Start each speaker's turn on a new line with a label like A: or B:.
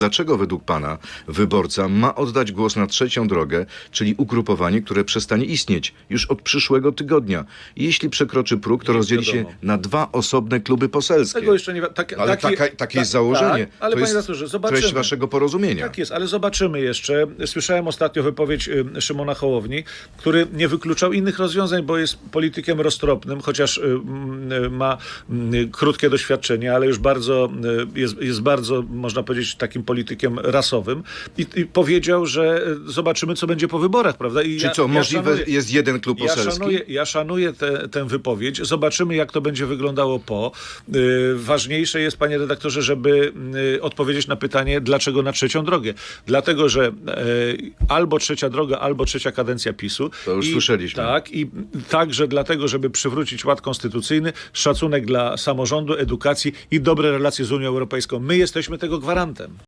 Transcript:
A: Dlaczego według pana wyborca ma oddać głos na trzecią drogę, czyli ugrupowanie, które przestanie istnieć już od przyszłego tygodnia? I jeśli przekroczy próg, to rozdzieli się na dwa osobne kluby poselskie.
B: Tego jeszcze nie...
A: Ale takie jest założenie.
B: Tak, ale
A: to
B: panie
A: jest
B: redaktorze, zobaczymy.
A: treść waszego porozumienia.
B: Tak jest, ale zobaczymy jeszcze. Słyszałem ostatnio wypowiedź Szymona Hołowni, który nie wykluczał innych rozwiązań, bo jest politykiem roztropnym, chociaż ma krótkie doświadczenie, ale już jest bardzo, można powiedzieć, takim politykiem rasowym i powiedział, że zobaczymy, co będzie po wyborach, prawda?
A: Czy co, możliwe jest jeden klub poselski?
B: Ja szanuję tę wypowiedź. Zobaczymy, jak to będzie wyglądało po. Ważniejsze jest, panie redaktorze, żeby odpowiedzieć na pytanie, dlaczego na trzecią drogę. Dlatego, że albo trzecia droga, albo trzecia kadencja PiS-u.
A: To już słyszeliśmy.
B: Tak, i także dlatego, żeby przywrócić ład konstytucyjny, szacunek dla samorządu, edukacji i dobre relacje z Unią Europejską. My jesteśmy tego gwarantem.